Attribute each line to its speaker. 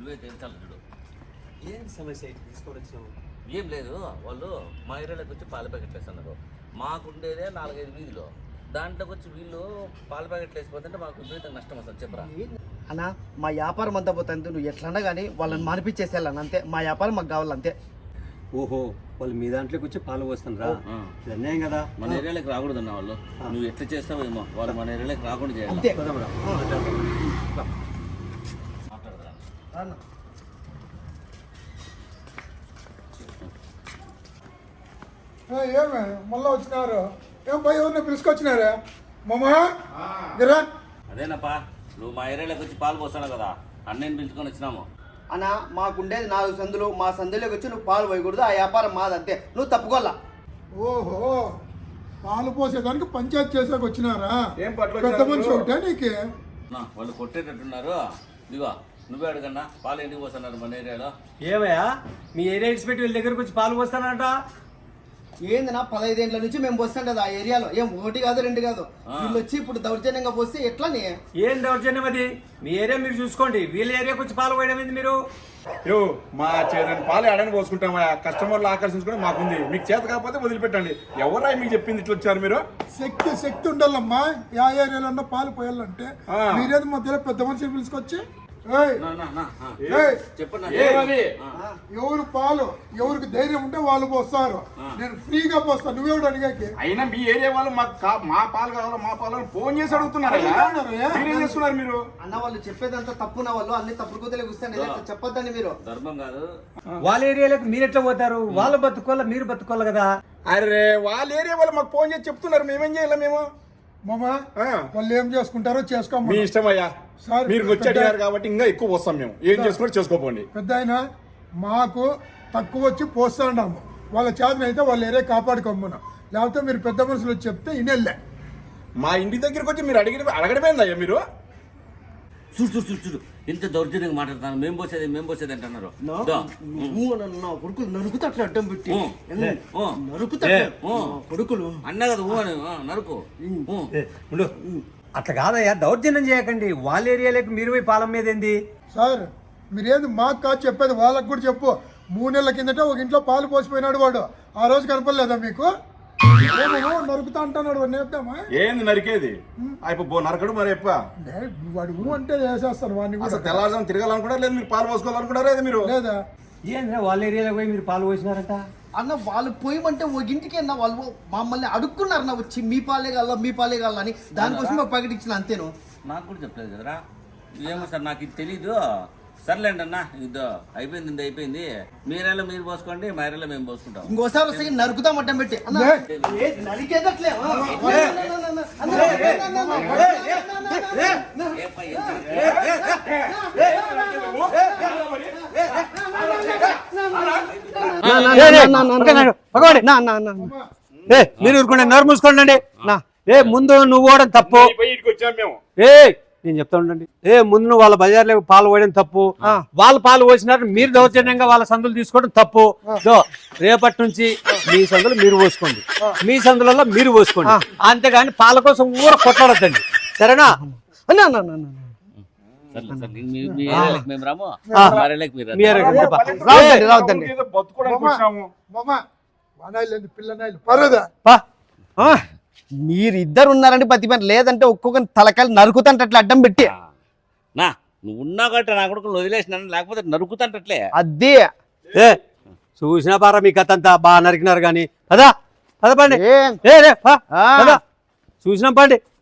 Speaker 1: నువ్వే తెలుసాలి చూడు.
Speaker 2: ఏం సమస్య తీసుకొని వచ్చినావు?
Speaker 1: ఏం లేదు, వాళ్ళు మా ఏరియాలోకి వచ్చి పాల ప్యాకెట్లు వేస్తున్నారు. మాకుండేదే 4-5 వీధిలో, దాంట్లోకి వచ్చి వీళ్ళు పాల ప్యాకెట్లు వేసిపోతుంటే మాకు విపరీతంగా నష్టం వస్తుంది. చెప్పరా
Speaker 3: అన్న, మా వ్యాపారం అంతా పోతుంది. నువ్వు ఎట్లన్నా కానీ వాళ్ళని మానిపించేసేయాలని అంతే. మా వ్యాపారం మాకు కావాలంతే.
Speaker 2: ఓహో, వాళ్ళు మీ దాంట్లోకి వచ్చి పాలు పోస్తాను రా. ఇది అన్యాయం కదా.
Speaker 1: మన ఏరియాలోకి రాకూడదు అన్న వాళ్ళు. నువ్వు ఎట్లా చేస్తావో ఏమో, వాళ్ళు మన ఏరియాలోకి రాకుండా చేయాలి.
Speaker 3: అంతే.
Speaker 1: మాట్లాడదా
Speaker 4: ఏమే మళ్ళీ వచ్చినారు? ఏం పోయి ఎవరిని పిలుచుకొచ్చినారా మామా? గిరా
Speaker 1: అదేనప్పా, నువ్వు మా ఏరియాలోకి వచ్చి పాలు పోస్తాను కదా, అన్నయ్యని పిలుచుకొని వచ్చినాము.
Speaker 3: అన్న, మాకుండేది 4 సందులు. మా సందులోకి వచ్చి నువ్వు పాలు పోయకూడదు. ఆ వ్యాపారం మాదంతే. నువ్వు తప్పుకోవాలా.
Speaker 4: ఓహో, పాలు పోసేదానికి పంచాయతీ చేసాక వచ్చినారా? పెద్ద మనిషి ఒకటే నీకు.
Speaker 1: వాళ్ళు కొట్టేటట్టున్నారు. ఇదిగో నువ్వే అడగన్నా, పాలు ఎందుకు పోస్తున్నారు మన ఏరియాలో?
Speaker 2: ఏమయ్యా, మీ ఏరియా ఇన్స్పెక్టర్ వీళ్ళ దగ్గరకు వచ్చి పాలు పోస్తానంట.
Speaker 3: ఏందన్నా, 15 ఏళ్ళ నుంచి మేము పోస్తాం కదా ఆ ఏరియాలో. ఏం 1 కాదు 2 కాదు. వీళ్ళు వచ్చి ఇప్పుడు దౌర్జన్యంగా పోస్తే ఎట్లని?
Speaker 2: ఏం దౌర్జన్యం అది? మీ ఏరియా మీరు చూసుకోండి. వీళ్ళ ఏరియాకి వచ్చి పాలు పోయడం ఏంది మీరు?
Speaker 5: మా చేదని పాలు ఎడని పోసుకుంటామా? కస్టమర్లు ఆకర్షించుకుని మాకుంది. మీకు చేత కాకపోతే వదిలిపెట్టండి. ఎవరా మీకు చెప్పింది ఇట్లా వచ్చారు మీరు?
Speaker 4: శక్తి ఉండాలమ్మా. ఆ ఏరియాలో ఉన్న పాలు పోయాలంటే మీరేది మధ్యలో పెద్ద మనిషిని పిలుచుకొచ్చి
Speaker 1: చెప్పండి.
Speaker 4: ఎవరు పాలు ఎవరికి ధైర్యం ఉంటే వాళ్ళు పోస్తారు. నేను ఫ్రీగా పోస్తాను. నువ్వెవడు అడిగాకి?
Speaker 5: అయినా మీ ఏరియా వాళ్ళు మా పాలు కావాలో మా పాలు ఫోన్ చేసి అడుగుతున్నారు. మీరేం చేస్తున్నారు మీరు?
Speaker 3: అన్న, వాళ్ళు చెప్పేదంతా తప్పున. వాళ్ళు అన్ని తప్పుడు కూతలే కూర్చొని చెప్పొద్దండి మీరు.
Speaker 1: ధర్మం కాదు.
Speaker 2: వాళ్ళ ఏరియాలోకి మీరు ఎట్లా పోతారు? వాళ్ళు బతుకోవాలా, మీరు బతుకోవాలి కదా.
Speaker 5: అరే, వాళ్ళ ఏరియా వాళ్ళు మాకు ఫోన్ చేసి చెప్తున్నారు. మేమేం చేయాలి? మేము
Speaker 4: మామా వాళ్ళు ఏం చేసుకుంటారో చేసుకోమా.
Speaker 5: మీ ఇష్టం అయ్యా. మీరు వచ్చి అడిగారు కాబట్టి ఇంకా ఎక్కువ వస్తాం. మేము ఏం చేసుకుంటే చేసుకోపోండి.
Speaker 4: పెద్ద ఆయన మాకు తక్కువ వచ్చి పోస్తాండాము. వాళ్ళ చేతనైతే వాళ్ళ ఏరియా కాపాడుకోమ్మను. లేకపోతే మీరు పెద్ద మనుషులు వచ్చి చెప్తే ఇనెళ్ళే.
Speaker 5: మా ఇంటి దగ్గరికి వచ్చి మీరు అడగడమేందయ్యా మీరు?
Speaker 1: చూడు ఇంత దౌర్జన్యంగా మాట్లాడుతున్నారు. మేము పోసేది అంటున్నారు.
Speaker 3: కొడుకులు నరుకుతా అట్లా అడ్డం పెట్టి నరుకుతా కొడుకులు
Speaker 1: అన్న కదా నరుకు.
Speaker 2: అట్లా కాదయ్యా, దౌర్జన్యం చేయకండి. వాళ్ళ ఏరియాలోకి మీరు పోయి పాలం మీద ఏంది?
Speaker 4: సార్ మీరేది మాకు కాదు చెప్పేది, వాళ్ళకు కూడా చెప్పు. 3 నెలల కిందట ఒక ఇంట్లో పాలు పోసిపోయినాడు వాడు. ఆ రోజు కనపడలేదా మీకు? నరుకుతా అంటున్నాడు. వాడిని వేద్దామా?
Speaker 5: ఏంది నరికేది? అయిపో నరకడు మరి ఎప్ప
Speaker 4: వాడు అంటే చేసేస్తారు వాడిని కూడా.
Speaker 5: తెల్లారుజాము తిరగాలనుకుంటారు లేదు, మీరు పాలు పోసుకోవాలనుకుంటారా మీరు?
Speaker 4: లేదా
Speaker 2: ఏంద్రా వాళ్ళ ఏరియాలోకి పోయి మీరు పాలు పోసినారంట?
Speaker 3: అన్న, వాళ్ళు పోయమంటే ఒక ఇంటికి అన్న వాళ్ళు మమ్మల్ని అడుక్కున్నారు నా వచ్చి మీ పాలే కావాలా అని. దానికోసం ఒక ప్యాకెట్ ఇచ్చిన అంతేను.
Speaker 1: నాకు కూడా చెప్పలేదు కదరా. ఏమో సార్, నాకు ఇది తెలీదు. సర్లేండి అన్న, ఇదో అయిపోయింది. మీ ఏరియాలో మీరు పోసుకోండి, మా ఏరియాలో మేము పోసుకుంటాం.
Speaker 3: ఇంకోసారి వస్తే నరుకుతాం అడ్డం పెట్టి నరికేదట్లే.
Speaker 2: మీరు ఊరుకోండి, నోరు మూసుకోండి. ముందు నువ్వు పోవడం తప్పు. నేను చెప్తా ఉండండి. ముందు నువ్వు వాళ్ళ బజార్లో పాలు పోయడం తప్పు. వాళ్ళు పాలు పోసినారు, మీరు దౌర్జన్యంగా వాళ్ళ సందులు తీసుకోవడం తప్పు. రేపటి నుంచి మీ సందులు మీరు పోసుకోండి, మీ సందులలో మీరు పోసుకోండి. అంతేగాని పాల కోసం ఊర కొట్లాడద్దండి, సరేనా?
Speaker 3: మీరిద్దరు ఉన్నారండి పత్తి పని, లేదంటే ఒక్కొక్కరిని తలకాయలు నరుకుతాంటట్లే అడ్డం పెట్టి.
Speaker 1: నువ్వు ఉన్నా కాబట్టి నా కొడుకు వదిలేసినాను, లేకపోతే నరుకుతాంటట్లే.
Speaker 3: అదే
Speaker 2: చూసినా పారా మీ కథ అంతా బాగా నరికినారు. కానీ పదా పండి, చూసినాం పండి.